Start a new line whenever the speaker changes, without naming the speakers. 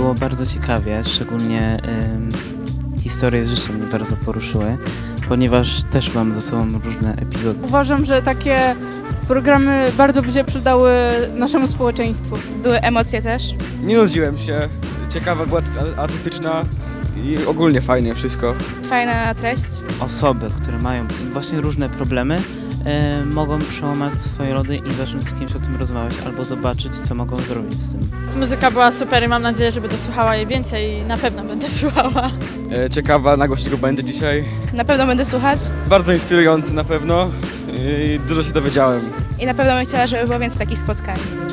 było bardzo ciekawie, szczególnie historie z życia mnie bardzo poruszyły, ponieważ też mam za sobą różne epizody.
Uważam, że takie programy bardzo by się przydały naszemu społeczeństwu.
Były emocje też.
Nie nudziłem się, ciekawa była artystyczna i ogólnie fajnie wszystko.
Fajna treść.
Osoby, które mają właśnie różne problemy, mogą przełamać swoje lody i zacząć z kimś o tym rozmawiać albo zobaczyć, co mogą zrobić z tym.
Muzyka była super i mam nadzieję, że będę słuchała jej więcej i na pewno będę słuchała.
Ciekawa, nagłośnego będę dzisiaj.
Na pewno będę słuchać
Bardzo inspirujący na pewno i dużo się dowiedziałem.
i na pewno bym chciała, żeby było więcej takich spotkań.